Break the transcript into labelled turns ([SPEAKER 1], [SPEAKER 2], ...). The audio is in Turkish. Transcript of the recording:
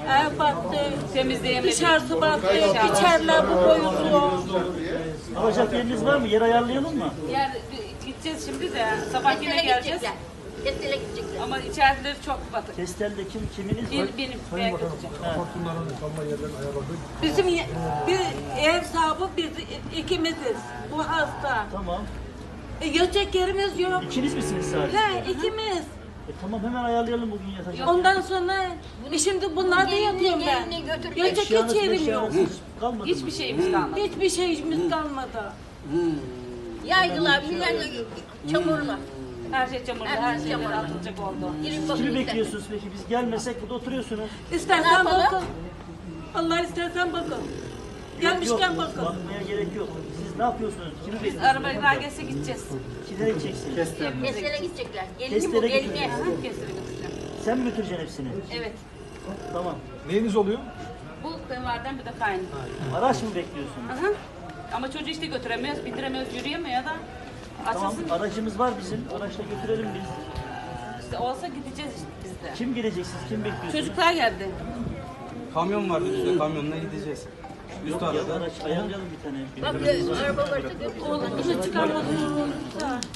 [SPEAKER 1] Ev battı,
[SPEAKER 2] Temizleyemedik.
[SPEAKER 1] dışarısı battı, içeriler bu boyutlu.
[SPEAKER 3] Alacak yeriniz var mı? Yer ayarlayalım mı?
[SPEAKER 2] Yer gideceğiz şimdi de sabah yine geleceğiz.
[SPEAKER 4] Kestel'e gidecekler.
[SPEAKER 2] Ama içerileri çok batık.
[SPEAKER 3] Testel'de kiminiz var?
[SPEAKER 2] Benim ben götüreceğim.
[SPEAKER 5] Apartmanların kalma yerlerini ayarladık.
[SPEAKER 1] Bizim bir ev sahibi biz ikimiziz. Bu hasta.
[SPEAKER 3] Tamam.
[SPEAKER 1] Yatacak yerimiz yok.
[SPEAKER 3] İkiniz misiniz sadece?
[SPEAKER 1] He, ikimiz.
[SPEAKER 3] Tamam, hemen ayarlayalım bugün yatacak.
[SPEAKER 1] Ondan sonra şimdi bunlar da yatıyorum ben.
[SPEAKER 4] Gelini götür.
[SPEAKER 1] Yatacak hiç yerim yok.
[SPEAKER 3] Kalmadı
[SPEAKER 2] Hiçbir
[SPEAKER 3] mı?
[SPEAKER 2] şeyimiz kalmadı.
[SPEAKER 1] Hiçbir şeyimiz kalmadı.
[SPEAKER 4] Yaydılar, millet çamurla.
[SPEAKER 2] Her şey çamurlu, her şey atılacak oldu.
[SPEAKER 4] Girin bakın.
[SPEAKER 3] Kimi bekliyorsunuz peki? Biz gelmesek burada oturuyorsunuz.
[SPEAKER 1] İstersen
[SPEAKER 4] Ne yapalım?
[SPEAKER 1] bakın. Allah istersen bakın. Gelmişken
[SPEAKER 3] Yok,
[SPEAKER 1] bakın.
[SPEAKER 3] bakmaya gerek yok. Siz ne yapıyorsunuz? Kimi
[SPEAKER 2] Biz
[SPEAKER 3] bekliyorsunuz?
[SPEAKER 2] arabayla gelse gideceğiz.
[SPEAKER 3] Kimlere gideceksiniz?
[SPEAKER 4] Kestel'e gidecekler. Gelini bu,
[SPEAKER 3] Kestel'e
[SPEAKER 4] gelini.
[SPEAKER 3] gideceğiz.
[SPEAKER 2] Herkesleri götüreceğim.
[SPEAKER 3] Sen mi götüreceksin hepsini?
[SPEAKER 2] Evet.
[SPEAKER 3] Tamam.
[SPEAKER 5] Neyiniz oluyor?
[SPEAKER 2] Bu kayınvaliden bir de kaynım.
[SPEAKER 3] Araç mı bekliyorsunuz?
[SPEAKER 2] Aha. Ama çocuğu işte götüremiyoruz, bindiremiyoruz, yürüyemiyor da.
[SPEAKER 3] Tamam,
[SPEAKER 2] Açılsın.
[SPEAKER 3] aracımız var bizim. Araçla götürelim biz.
[SPEAKER 2] İşte olsa gideceğiz işte biz de.
[SPEAKER 3] Kim geleceksiniz? Kim bekliyorsunuz?
[SPEAKER 2] Çocuklar geldi.
[SPEAKER 6] Kamyon vardı bizde, kamyonla gideceğiz. Üst
[SPEAKER 3] Ya
[SPEAKER 6] arada.
[SPEAKER 3] araç ayarlayalım bir tane.
[SPEAKER 4] Bak araba varsa götür.
[SPEAKER 1] Oğlum bunu çıkarmadın.